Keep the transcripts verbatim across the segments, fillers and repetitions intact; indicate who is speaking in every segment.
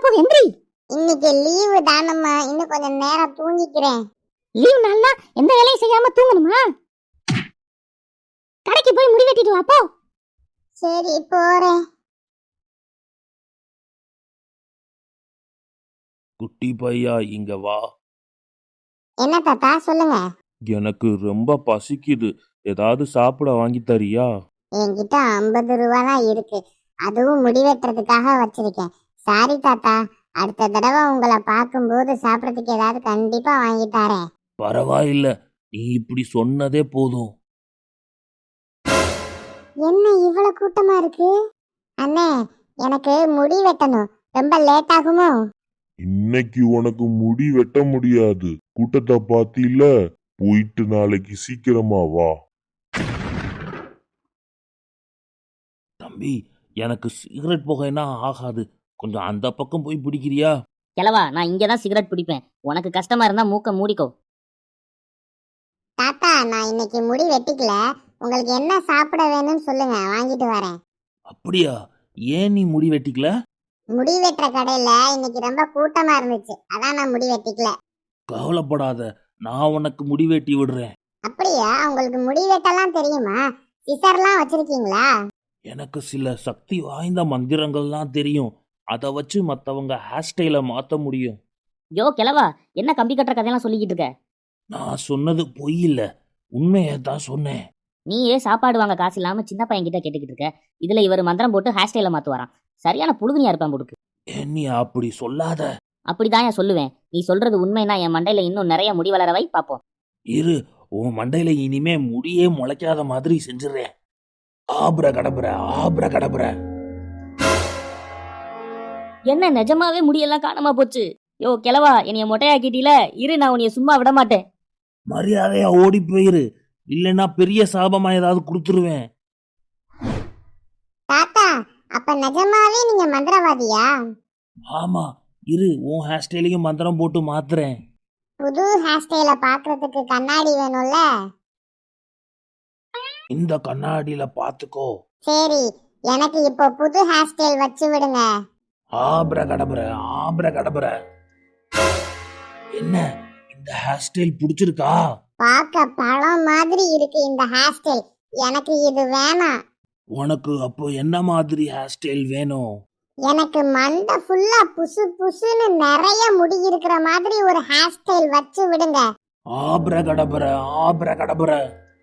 Speaker 1: போகுது எந்திரி.
Speaker 2: இன்னைக்கு லீவு தானம்மா, இன்னும் கொஞ்சம் நேரம் தூங்கிக்கிறேன்.
Speaker 1: லீவ் நாள்னா எந்த வேலையும் செய்யாம தூங்கணுமா? கடைக்கு போய் முடி வெட்டிட்டு வா போ.
Speaker 2: சரி போறேன்.
Speaker 3: குட்டி பையா இங்க வா.
Speaker 2: என்ன தாத்தா சொல்லுங்க.
Speaker 3: எனக்கு ரொம்ப பசிக்குது, ஏதாவது சாப்பிட வாங்கி தரியா?
Speaker 2: என்கிட்ட ஐம்பது ரூபா தான் இருக்கு, அதுவும் முடி வெட்டுறதுக்காக வச்சிருக்கேன். சாரி தாத்தா, அடுத்த தடவை உங்களை பார்க்கும்போது சாப்பிடறதுக்கு ஏதாவது கண்டிப்பா வாங்கி தரேன்.
Speaker 3: பரவாயில்ல, நீ இப்படி சொன்னதே போதும்.
Speaker 2: என்ன இவ்வளவு கூட்டமா இருக்கு? அண்ணே, எனக்கு முடி வெட்டணும், ரொம்ப லேட் ஆகுமோ?
Speaker 4: இன்னைக்கு உனக்கு முடி வெட்ட முடியாது, கூட்டத்தை பாத்தில. போயிட்டு நாளைக்கு சீக்கிரமா வா.
Speaker 3: தம்பி, எனக்கு சிகரெட் புகைனா ஆகாது, கொஞ்சம் அந்த பக்கம் போய் பிடிக்கிறியா?
Speaker 1: கிழவா, நான் இங்கதான் சிகரெட் பிடிப்பேன், உனக்கு கஷ்டமா இருந்தா மூக்க மூடிக்கோ.
Speaker 2: தாத்தா, நான் இன்னைக்கு முடி வெட்டிக்கல, உங்களுக்கு என்ன சாப்பிட வேணும்னு சொல்லுங்க, வாங்கிட்டு வரேன்.
Speaker 3: அப்படியா? ஏன் நீ முடி வெட்டிக்கல?
Speaker 2: முடி வெட்டுற கடையில இன்னைக்கு ரொம்ப கூட்டமா இருந்துச்சு, அதான் நான் முடி வெட்டிக்கல.
Speaker 3: கவலைப்படாத, நான் உனக்கு முடி வெட்டி விடுறேன்.
Speaker 2: அப்படியா? உங்களுக்கு முடி வெட்டலாம் தெரியுமா? சிசர்லாம் வச்சிருக்கீங்களா?
Speaker 3: எனக்கு சில சக்தி வாய்ந்த மந்திரங்கள்லாம் தெரியும், அதை வச்சு மற்றவங்க ஹேர் ஸ்டைலை மாற்ற முடியும்.
Speaker 1: யோ கிழவா, என்ன கம்பி கட்டுற கதையெல்லாம் சொல்லிக்கிட்டு இருக்க?
Speaker 3: நான் சொன்னது பொய் இல்ல, உண்மையை தான் சொன்னேன்.
Speaker 1: நீயே சாப்பாடு வாங்க காசு இல்லாம சின்ன பையன் கிட்ட கேட்டுக்கிட்டு இருக்க, இதுல இவர் மந்திரம் போட்டு ஹேர் ஸ்டைல மாத்துவாராம். சரியான புழுகுனியா இருப்பேன் போடுக்கு.
Speaker 3: ஏன் நீ அப்படி சொல்லாத.
Speaker 1: அப்படிதான் ஏன் சொல்லுவேன், நீ சொல்றது உண்மைனா என் மண்டையில இன்னும் நிறைய முடி வளர வை பாப்போம்.
Speaker 3: இரு, உன் மண்டையில இனிமே முடியே முளைக்காத மாதிரி செஞ்சிடறேன். ஆப்ர கடபுர ஆப்ர கடபுர.
Speaker 1: என்ன நிஜமாவே முடியெல்லாம் காணாம போச்சு? யோ கிழவா, என்னைய மொட்டையாக்கிட்டீல, இரு நான் உன்னைய சும்மா விட மாட்டேன்.
Speaker 3: மரியாதையா ஓடி போயிரு, இல்லைன்னா பெரிய சாபமா ஏதாவது கொடுத்துருவேன்.
Speaker 2: தாத்தா, அப்ப நிஜமாவே நீங்க மந்திரவாதியா?
Speaker 3: ஆமா, இரு உன் ஹேர் ஸ்டைலையும் மந்திரம் போட்டு மாத்துறேன்.
Speaker 2: புது ஹேர் ஸ்டைல பாக்குறதுக்கு கண்ணாடி வேணும்ல?
Speaker 3: இந்த கண்ணாடியில பாத்துக்கோ.
Speaker 2: சரி, எனக்கு இப்போ புது ஹேர் ஸ்டைல் வச்சு விடுங்க.
Speaker 3: ஆப்ர கடபுர ஆப்ர கடபுர. என்ன, இந்த ஹேர் ஸ்டைல் பிடிச்சிருக்கா?
Speaker 2: பார்க்க பழம் மாதிரி இருக்கு இந்த ஹேர் ஸ்டைல், எனக்கு இது வேணாம்.
Speaker 3: உனக்கு அப்போ என்ன மாதிரி ஹேர் ஸ்டைல் வேணும்?
Speaker 2: எனக்கு மண்டை ஃபுல்லா புசு புசுன்னு நிறைய முடி இருக்கிற மாதிரி ஒரு ஹேர் ஸ்டைல் வச்சு விடுங்க.
Speaker 3: ஆப்ர கடபுர ஆப்ர கடபுர.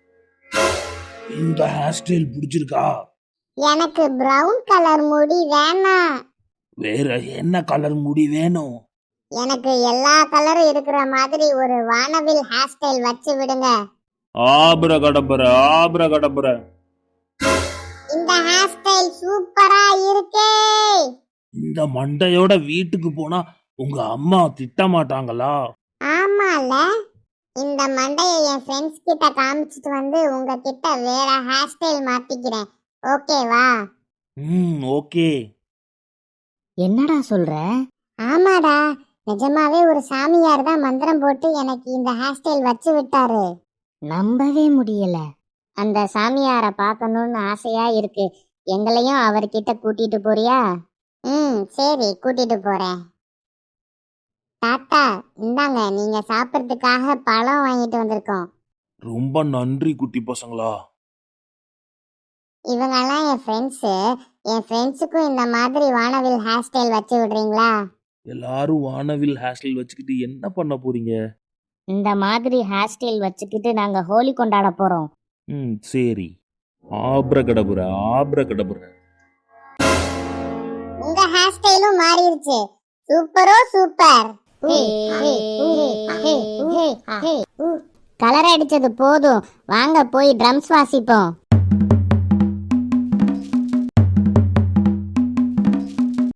Speaker 3: இந்த ஹேர் ஸ்டைல் பிடிச்சிருக்கா?
Speaker 2: எனக்கு பிரவுன் கலர் முடி வேணாம்.
Speaker 3: வேற என்ன கலர் முடி வேணும்?
Speaker 2: எனக்கு எல்லா கலரும் இருக்கிற மாதிரி ஒரு வானவில் ஹேர் ஸ்டைல் வச்சு விடுங்க.
Speaker 3: ஆப்ர கடபுர ஆப்ர கடபுர.
Speaker 2: இந்த ஹேர் ஸ்டைல் சூப்பரா இருக்கே.
Speaker 3: இந்த மண்டையோட வீட்டுக்கு போனா உங்க அம்மா திட்ட மாட்டாங்களா?
Speaker 2: ஆமால, இந்த மண்டைய என் ஃப்ரெண்ட்ஸ் கிட்ட காமிச்சிட்டு வந்து உங்க கிட்ட வேற ஹேர் ஸ்டைல் மாத்திக்கிறேன், ஓகேவா?
Speaker 3: ம், ஓகே.
Speaker 1: என்னடா சொல்ற?
Speaker 2: ஆமாடா, நிஜமாவே ஒரு சாமியார் தான் மந்திரம் போட்டு எனக்கு இந்த ஹேர் ஸ்டைல் வச்சு விட்டாரு.
Speaker 1: நம்பவே முடியல.
Speaker 2: அந்த சாமியாரை பார்க்கணும்னு ஆசையா இருக்கு, எங்களையும் அவர்கிட்ட கூட்டிட்டு போறியா? ம் சரி, கூட்டிட்டு போறேன். தாத்தா, இந்தாங்க, நீங்க சாப்பிட்றதுக்காக பழம் வாங்கிட்டு வந்திருக்கோம்.
Speaker 3: ரொம்ப நன்றி குட்டி பசங்களா.
Speaker 2: இவங்கெல்லாம் என் ஃப்ரெண்ட்ஸு, என் ஃப்ரெண்ட்ஸுக்கும் இந்த மாதிரி வானவில் ஹேர் ஸ்டைல் வச்சு விடுறீங்களா?
Speaker 3: எல்லாரும் வானவில் ஹேர் ஸ்டைல் வச்சுக்கிட்டு என்ன பண்ண போறீங்க?
Speaker 1: இந்த மாதிரி ஹேர் ஸ்டைல் வச்சுக்கிட்டு நாங்க ஹோலி கொண்டாட போறோம்.
Speaker 3: ம் சரி. ஆப்ர கடபுர ஆப்ர கடபுர.
Speaker 2: உங்க ஹேர் ஸ்டைலும் மாறிடுச்சு, சூப்பரோ சூப்பர். கலர் அடிச்சது போதும், வாங்க போய் ட்ரம்ஸ் வாசிப்போம்.